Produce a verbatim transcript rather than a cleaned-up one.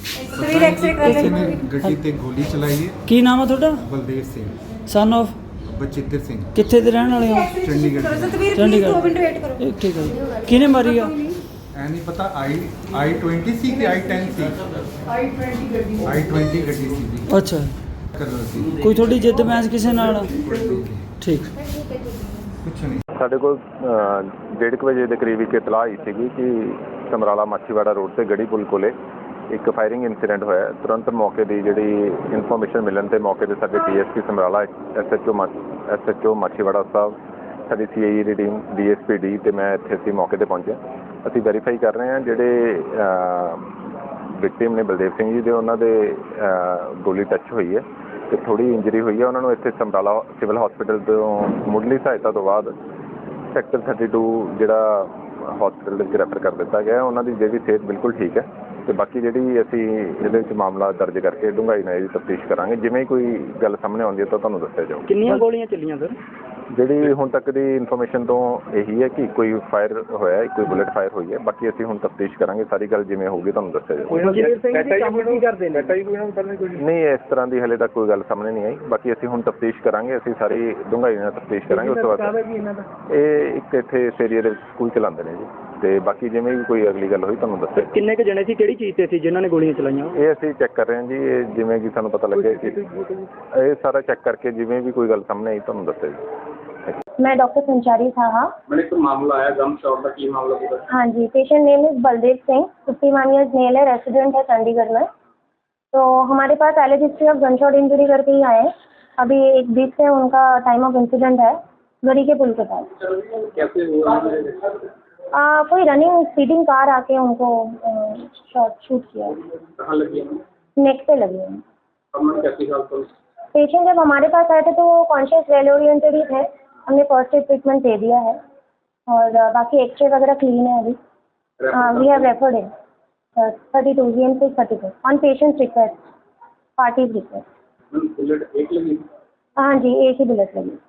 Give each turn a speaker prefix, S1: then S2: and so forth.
S1: ਤਸਵੀਰ ਐਕਸਰੇ ਕਰ
S2: ਕਿਸੇ ਨੇ
S1: ਰਹੇ
S2: ਗੱਡੀ ਤੇ ਗੋਲੀ ਚਲਾਈ ਹੈ।
S3: ਕੀ ਨਾਮ ਆ ਤੁਹਾਡਾ?
S2: ਬਲਦੇਵ ਸਿੰਘ
S3: ਸਨ ਆਫ
S2: ਬਚਿੱਤਰ ਸਿੰਘ
S3: ਕਿੱਥੇ ਦੇ ਰਹਿਣ ਵਾਲੇ ਹੋ?
S2: ਚੰਡੀਗੜ੍ਹ
S1: ਕਰੋ
S2: ਦੇ।
S1: ਤਸਵੀਰ
S3: ਚੰਡੀਗੜ੍ਹ।
S1: ਦੋ ਮਿੰਟ ਵੇਟ ਕਰੋ।
S3: ਇਹ ਠੀਕ ਹੈ ਜੀ। ਕਿਹਨੇ ਮਾਰੀ ਆ?
S2: ਐ ਨਹੀਂ ਪਤਾ ਆਈ ਆਈ ट्वेंटी ਸੀ ਕਿ ਆਈ टेन ਸੀ। ਆਈ ट्वेंटी ਗੱਡੀ ਆਈ ट्वेंटी ਗੱਡੀ ਸੀ ਜੀ।
S3: ਅੱਛਾ,
S2: ਕਲਰ ਸੀ।
S3: ਕੋਈ ਤੁਹਾਡੀ ਜਿੱਦ ਬਹਿਸ ਕਿਸੇ ਨਾਲ? ਠੀਕ।
S2: ਕੁਛ ਨਹੀਂ।
S4: ਸਾਡੇ ਕੋਲ ਡੇਢ ਕੁ ਵਜੇ ਦੇ ਕਰੀਬ ਇੱਕ ਇਤਲਾਹ ਆਈ ਸੀਗੀ ਕਿ ਸਮਰਾਲਾ ਮਾਛੀਵਾੜਾ ਰੋਡ ਤੇ ਗੜੀ ਪੁਲ ਕੋਲੇ ਇੱਕ ਫਾਇਰਿੰਗ ਇਨਸੀਡੈਂਟ ਹੋਇਆ। ਤੁਰੰਤ ਮੌਕੇ ਦੀ ਜਿਹੜੀ ਇਨਫੋਰਮੇਸ਼ਨ ਮਿਲਣ ਤੇ ਮੌਕੇ ਤੇ ਸਾਡੇ DSP Samrala, SHO SHO Machhiwara ਸਾਹਿਬ, ਸਾਡੀ ਸੀਆਈਏ ਦੀ ਟੀਮ, ਡੀਐਸਪੀ ਡੀ ਤੇ ਮੈਂ ਇੱਥੇ ਅਸੀਂ ਮੌਕੇ ਤੇ ਪਹੁੰਚੇ। ਅਸੀਂ ਵੈਰੀਫਾਈ ਕਰ ਰਹੇ ਹਾਂ ਜਿਹੜੇ ਵਿਕਟਿਮ ਨੇ ਬਲਦੇਵ ਸਿੰਘ ਜੀ ਦੇ, ਉਹਨਾਂ ਦੇ ਗੋਲੀ ਟੱਚ ਹੋਈ ਹੈ ਤੇ ਥੋੜੀ ਇੰਜਰੀ ਹੋਈ ਹੈ। ਉਹਨਾਂ ਨੂੰ ਇੱਥੇ ਸਮਰਾਲਾ ਸਿਵਲ ਹਸਪੀਟਲ ਤੋਂ ਮੁੱਢਲੀ ਸਹਾਇਤਾ ਤੋਂ ਬਾਅਦ ਸੈਕਟਰ ਥਰਟੀ ਟੂ ਜਿਹੜਾ ਹਸਪੀਟਲ ਦੇ ਵਿੱਚ ਰੈਫਰ ਕਰ ਦਿੱਤਾ ਗਿਆ। ਉਹਨਾਂ ਦੀ ਜਿਹੜੀ ਸਿਹਤ ਬਿਲਕੁਲ ਠੀਕ ਹੈ ਤੇ ਬਾਕੀ ਜਿਹੜੀ ਅਸੀਂ ਇਹਦੇ ਵਿੱਚ ਮਾਮਲਾ ਦਰਜ ਕਰਕੇ ਡੂੰਘਾਈ ਨਾਲ ਇਹਦੀ ਤਫਤੀਸ਼ ਕਰਾਂਗੇ। ਜਿਵੇਂ ਕੋਈ ਗੱਲ ਸਾਹਮਣੇ ਆਉਂਦੀ ਹੈ ਤਾਂ ਤੁਹਾਨੂੰ ਦੱਸਿਆ ਜਾਊਗਾ।
S3: ਕਿੰਨੀਆਂ ਗੋਲੀਆਂ ਚੱਲੀਆਂ ਸਰ?
S4: ਜਿਹੜੀ ਹੁਣ ਤੱਕ ਦੀ ਇਨਫੋਰਮੇਸ਼ਨ ਤੋਂ ਇਹੀ ਹੈ ਕਿ ਕੋਈ ਫਾਇਰ ਹੋਇਆ, ਕੋਈ ਬੁਲੇਟ ਫਾਇਰ ਹੋਈ ਹੈ। ਬਾਕੀ ਅਸੀਂ ਹੁਣ ਤਫਤੀਸ਼ ਕਰਾਂਗੇ, ਸਾਰੀ ਗੱਲ ਜਿਵੇਂ ਹੋਊਗੀ ਤੁਹਾਨੂੰ ਦੱਸਿਆ ਜਾਊਗਾ। ਨਹੀਂ, ਇਸ ਤਰ੍ਹਾਂ ਦੀ ਹਲੇ ਤੱਕ ਕੋਈ ਗੱਲ ਸਾਹਮਣੇ ਨਹੀਂ ਆਈ। ਬਾਕੀ ਅਸੀਂ ਹੁਣ ਤਫਤੀਸ਼ ਕਰਾਂਗੇ, ਅਸੀਂ ਸਾਰੀ ਡੂੰਘਾਈ ਨਾਲ ਤਫਤੀਸ਼ ਕਰਾਂਗੇ। ਉਸ ਤੋਂ ਬਾਅਦ ਇਹ ਇੱਕ ਇੱਥੇ ਇਸ ਏਰੀਏ ਦੇ ਵਿੱਚ ਸਕੂਲ ਚਲਾਉਂਦੇ ਨੇ ਜੀ, ਤੇ ਬਾਕੀ ਜਿਵੇਂ ਵੀ ਕੋਈ ਅਗਲੀ ਗੱਲ ਹੋਈ ਤੁਹਾਨੂੰ ਦੱਸਿਆ।
S3: ਕਿੰਨੇ ਕੁ ਜਣੇ ਸੀ, ਕਿਹੜੀ ਚੀਜ਼ ਤੇ ਸੀ ਜਿਨ੍ਹਾਂ ਨੇ ਗੋਲੀਆਂ ਚਲਾਈਆਂ?
S4: ਇਹ ਅਸੀਂ ਚੈੱਕ ਕਰ ਰਹੇ ਹਾਂ ਜੀ। ਇਹ ਜਿਵੇਂ ਕਿ ਸਾਨੂੰ ਪਤਾ ਲੱਗਿਆ ਕਿ ਇਹ ਸਾਰਾ ਚੈੱਕ ਕਰਕੇ ਜਿਵੇਂ ਵੀ ਕੋਈ ਗੱਲ ਸਾਹਮਣੇ ਆਈ ਤੁਹਾਨੂੰ ਦੱਸਿਆ ਜੀ।
S5: मैं डॉक्टर संचारी साहा।
S6: मैंने एक मामला आया गम शॉट का, की मामला पूरा?
S5: हाँ जी, patient name is Baldev Singh, fifty one years male है, रेसिडेंट है चंडीगढ़ में। तो हमारे पास alleged history of gun shot injury करके ही आए हैं। अभी एक बीच से उनका टाइम ऑफ इंसिडेंट है गड़ी के पुल के पास।
S6: कैसे हुआ?
S5: आ, कोई रनिंग स्पीडिंग कार आके उनको शॉट शूट किया।
S6: कहाँ लगी?
S5: नेक पे लगी है।
S6: कब कैसी हालत हुई?
S5: पेशेंट जब हमारे पास आए थे तो वो कॉन्शियस वेल ओरिएंटेड ही थे। हमने फर्स्ट एड ट्रीटमेंट दे दिया है और बाकी एक्सरे वगैरह क्लीन है अभी। We have referred in thirty two G M C thirty two on patient's request, party's request.
S6: Bullet एक लगी?
S5: हाँ जी, एक ही बुलेट लगी।